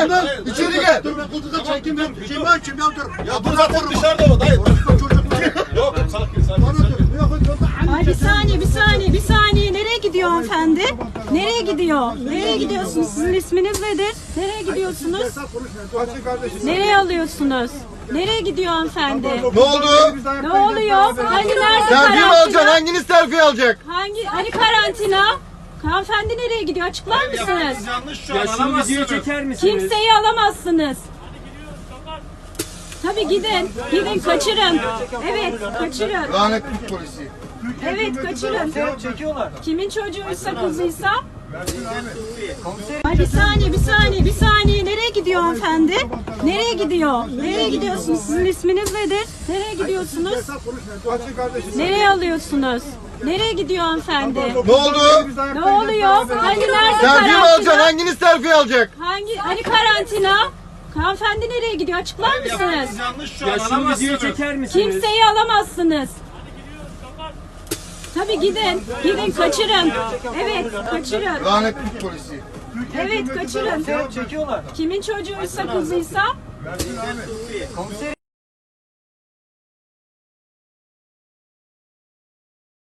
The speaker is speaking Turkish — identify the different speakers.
Speaker 1: gel. İçeri gel.
Speaker 2: Dur ben kutuda çekeyim ben. Kim ben kim ya dur.
Speaker 1: Ya dur zaten dışarıda o dayı.
Speaker 2: Yok sakin.
Speaker 3: Ay bir saniye. Nereye gidiyor hanımefendi? Nereye gidiyor? Nereye gidiyorsunuz? Sizin isminiz nedir? Nereye gidiyorsunuz? Nereye alıyorsunuz? Nereye gidiyor hanımefendi?
Speaker 1: Ne oldu?
Speaker 3: Ne oluyor? Hani nerede
Speaker 1: Selfie mi alacaksın?
Speaker 3: karantina?
Speaker 1: Hanginiz selfie alacak?
Speaker 3: Hani karantina? Hanımefendi nereye gidiyor? Açıklar mısınız?
Speaker 4: Ya şunu videoya çeker misiniz?
Speaker 3: Kimseyi alamazsınız. Tabii gidin. Gidin kaçırın. Evet kaçırın.
Speaker 1: Lanetli polisi.
Speaker 3: Evet kaçırın.
Speaker 4: Çekiyorlar.
Speaker 3: Kimin çocuğuysa kızıysa. Ay bir saniye. Nereye gidiyor hanımefendi? Nereye gidiyor? Nereye gidiyorsunuz? Sizin isminiz nedir? Nereye gidiyorsunuz? Nereye alıyorsunuz? Nereye gidiyor hanımefendi?
Speaker 1: Ne oldu?
Speaker 3: Ne oluyor? Hani nerede
Speaker 1: Selfie mi alacaksın?
Speaker 3: karantina?
Speaker 1: Hanginiz selfie alacak?
Speaker 3: Hani karantina? Hanımefendi nereye gidiyor? Açıklar mısınız?
Speaker 4: Ya şunu videoya çeker misiniz?
Speaker 3: Kimseyi alamazsınız. Tabii gidin. Gidin kaçırın. Evet kaçırın.
Speaker 1: Lanetli polisi.
Speaker 3: Evet kaçırın.
Speaker 4: Çekiyorlar.
Speaker 3: Kimin çocuğuysa kızıysa.